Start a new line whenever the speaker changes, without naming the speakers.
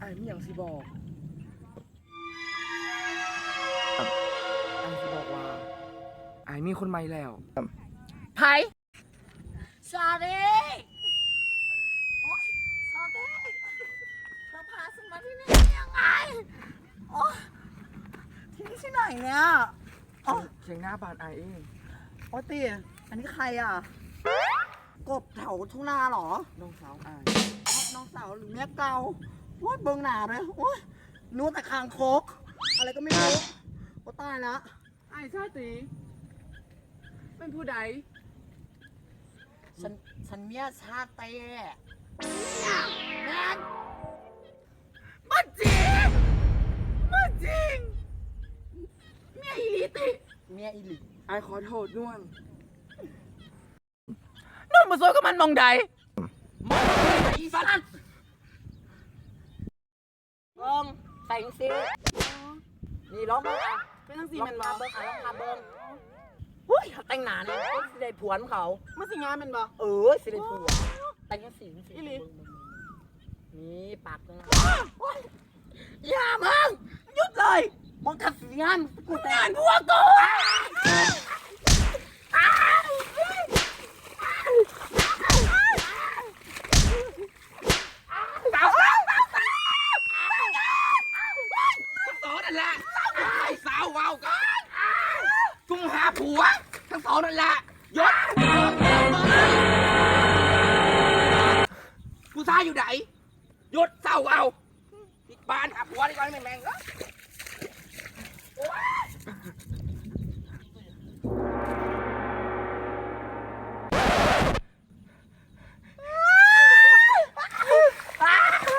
อ้ไม่อย่างสิบอกไอ้สิบอกว่าไอ้มีคนใหม่แล้วไผ่
ชาเด้โอ๊ยชาเด้เธอพาฉันมาที่นี่ได้ยังไงโอ๊ยที่นี่ที่ไหนเนี่ยอ๋อ
เชียงหน้าบ้านไอ้เอง
โอ๊ยตีอันนี้ใครอ่ะ กบแถวทุ่งนาเหรอ
น้องสาวไอ้
อ๋อน้องสาวหรือเมียเก่าโอ๊ยเบิ่งหนาเลยโอ๊ยนู้แต่คางคก อะไรก็ไม่รู้โอ๊ยตายละ
ไอ้ชาติเป็นผู้ใด
ฉันเมียชาเต้แมน
มาจริงมาจริงเมียอีลิติ
เมียอีหลี
ไอ้ขอโทษน่วงน่วงมาซวยกับมันมองใดมองใดอีสัตว์
เบิ้งใส่ซินี่ร้องเบิ้งอ่ะ
เป็นทั้ง
สี
สี่
มั
แมัน น
มา
บ่
เบิ้งอ่ะลองมาเบิ้งหุ้ยแต่งหนาเนี่ยสิได้ผวนเขา
มาสิงานแมันบ่
สิได้ผัวแต่งยังสี
อีหลี
นี่ปากนะอย่ามึงหยุดเลยมึงขัดสีงานกูแต่งผัวกู
สองนั่นแหละไอ้สาวว้าวกันจุงหาผัวทั้งสองนั่นแหละยศผู้ชายอยู่ไหนยศเศร้าเอาปิดบ้านหาผัวดีกว่าแม่งๆ